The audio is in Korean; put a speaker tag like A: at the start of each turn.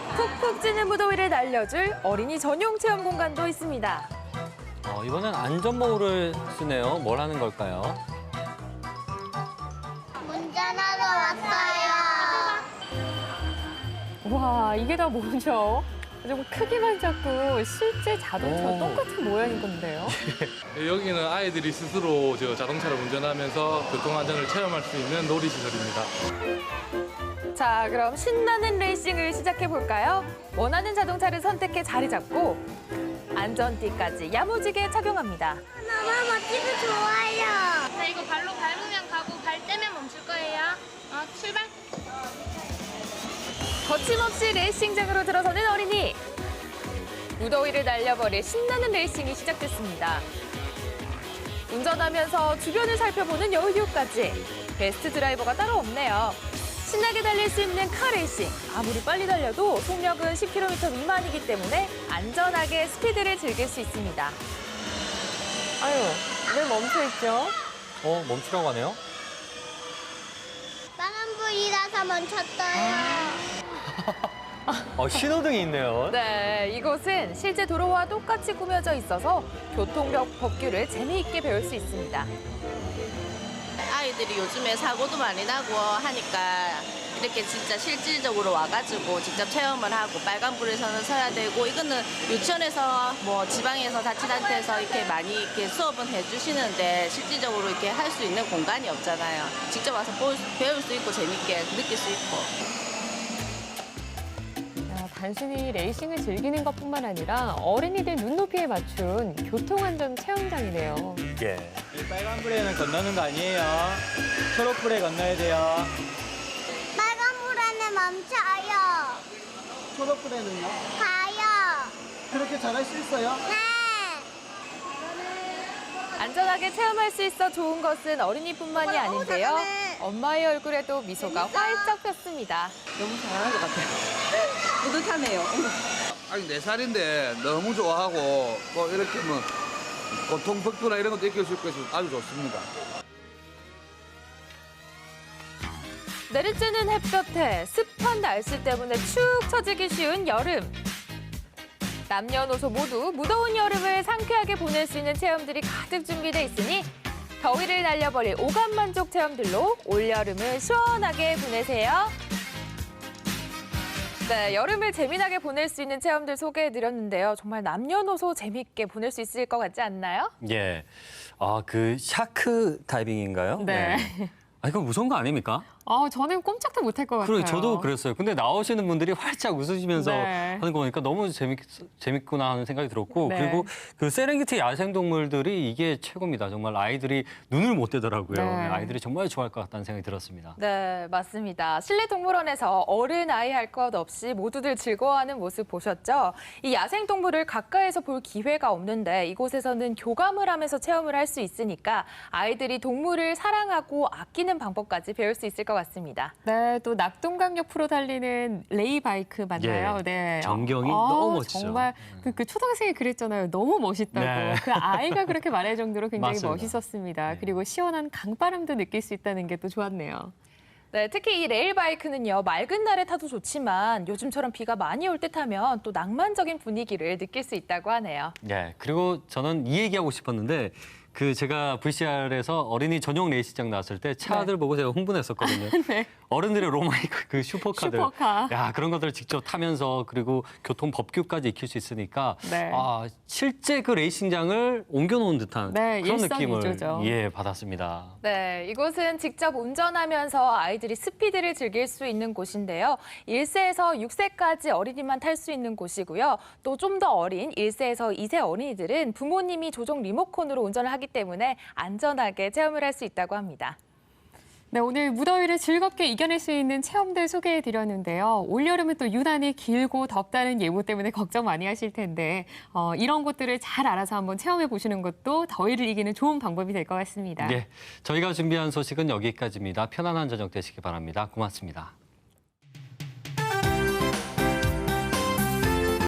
A: 푹푹 찌는 무더위를 날려줄 어린이 전용 체험 공간도 있습니다.
B: 이번엔 안전모를 쓰네요. 뭘 하는 걸까요?
C: 운전하러 왔어요.
A: 와, 이게 다 뭐죠? 좀 크기만 작고 실제 자동차와 똑같은 모양인 건데요.
D: 여기는 아이들이 스스로 자동차를 운전하면서 교통안전을 체험할 수 있는 놀이시설입니다.
A: 자, 그럼 신나는 레이싱을 시작해 볼까요? 원하는 자동차를 선택해 자리 잡고 안전띠까지 야무지게 착용합니다.
C: 너무 멋지고 좋아요.
E: 자, 이거 발로 밟으면 가고 발 떼면 멈출 거예요. 출발.
A: 거침없이 레이싱장으로 들어서는 어린이. 무더위를 날려버릴 신나는 레이싱이 시작됐습니다. 운전하면서 주변을 살펴보는 여유까지. 베스트 드라이버가 따로 없네요. 신나게 달릴 수 있는 카레이싱. 아무리 빨리 달려도 속력은 10km 미만이기 때문에 안전하게 스피드를 즐길 수 있습니다. 아유, 왜 멈춰있죠?
B: 멈추라고 하네요.
C: 빨간불이라서 멈췄어요.
B: 신호등이 있네요.
A: 네, 이곳은 실제 도로와 똑같이 꾸며져 있어서 교통법규를 재미있게 배울 수 있습니다.
F: 아이들이 요즘에 사고도 많이 나고 하니까 이렇게 진짜 실질적으로 와가지고 직접 체험을 하고 빨간불에서는 서야 되고 이거는 유치원에서 뭐 지방에서 자치단체에서 이렇게 많이 이렇게 수업은 해주시는데 실질적으로 이렇게 할 수 있는 공간이 없잖아요. 직접 와서 배울 수 있고 재밌게 느낄 수 있고.
A: 단순히 레이싱을 즐기는 것뿐만 아니라 어린이들 눈높이에 맞춘 교통안전 체험장이네요.
B: 예.
G: 이 빨간불에는 건너는 거 아니에요. 초록불에 건너야 돼요.
C: 빨간불에는 멈춰요.
H: 초록불에는요?
C: 가요.
H: 그렇게 잘할 수 있어요?
C: 네.
A: 안전하게 체험할 수 있어 좋은 것은 어린이뿐만이 아닌데요. 엄마의 얼굴에도 미소가 활짝 폈습니다.
F: 너무 잘하는 것 같아요. 뿌듯하네요.
I: 아니 4살인데 너무 좋아하고 뭐 이렇게 뭐 고통법규나 이런 것도 익힐 수 있고 해서 아주 좋습니다.
A: 내리쬐는 햇볕에 습한 날씨 때문에 축 처지기 쉬운 여름. 남녀노소 모두 무더운 여름을 상쾌하게 보낼 수 있는 체험들이 가득 준비돼 있으니 더위를 날려버릴 오감 만족 체험들로 올여름을 시원하게 보내세요. 네, 여름을 재미나게 보낼 수 있는 체험들 소개해드렸는데요. 정말 남녀노소 재밌게 보낼 수 있을 것 같지 않나요?
B: 예. 그 샤크 다이빙인가요?
A: 네.
B: 이거 무서운 거 아닙니까?
A: 저는 꼼짝도 못할 것 같아요.
B: 그래, 저도 그랬어요. 근데 나오시는 분들이 활짝 웃으시면서
A: 네.
B: 하는 거 보니까 너무 재밌구나 하는 생각이 들었고
A: 네.
B: 그리고 그 세렝게티 야생동물들이 이게 최고입니다. 정말 아이들이 눈을 못 떼더라고요.
A: 네.
B: 아이들이 정말 좋아할 것 같다는 생각이 들었습니다.
A: 네, 맞습니다. 실내 동물원에서 어른, 아이 할 것 없이 모두들 즐거워하는 모습 보셨죠? 이 야생동물을 가까이서 볼 기회가 없는데 이곳에서는 교감을 하면서 체험을 할 수 있으니까 아이들이 동물을 사랑하고 아끼는 방법까지 배울 수 있을 것 같습니다. 네, 또 낙동강역 프로 달리는 레이바이크 맞나요?
B: 예,
A: 네.
B: 전경이 너무 멋지죠.
A: 정말 그 초등생이 그랬잖아요. 너무 멋있다고.
B: 네.
A: 그 아이가 그렇게 말할 정도로 굉장히
B: 맞습니다.
A: 멋있었습니다.
B: 네.
A: 그리고 시원한 강바람도 느낄 수 있다는 게 또 좋았네요. 네, 특히 이 레일바이크는요, 맑은 날에 타도 좋지만 요즘처럼 비가 많이 올 때 타면 또 낭만적인 분위기를 느낄 수 있다고 하네요.
B: 네, 그리고 저는 이 얘기하고 싶었는데 제가 VCR에서 어린이 전용 레이싱장 나왔을 때 차들 보고 제가 흥분했었거든요.
A: 네.
B: 어른들의 로마니크 그 슈퍼카들.
A: 슈퍼카.
B: 야, 그런 것들을 직접 타면서 그리고 교통 법규까지 익힐 수 있으니까
A: 네.
B: 실제 그 레이싱장을 옮겨놓은 듯한
A: 네,
B: 그런 느낌을
A: 일석이조죠.
B: 받았습니다.
A: 네, 이곳은 직접 운전하면서 아이들이 스피드를 즐길 수 있는 곳인데요. 1세에서 6세까지 어린이만 탈 수 있는 곳이고요. 또 좀 더 어린 1세에서 2세 어린이들은 부모님이 조종 리모컨으로 운전을 하기 때문에 안전하게 체험을 할 수 있다고 합니다. 네, 오늘 무더위를 즐겁게 이겨낼 수 있는 체험들 소개해드렸는데요. 올여름은 또 유난히 길고 덥다는 예보 때문에 걱정 많이 하실 텐데 이런 곳들을 잘 알아서 한번 체험해보시는 것도 더위를 이기는 좋은 방법이 될 것 같습니다.
B: 네, 저희가 준비한 소식은 여기까지입니다. 편안한 저녁 되시기 바랍니다. 고맙습니다.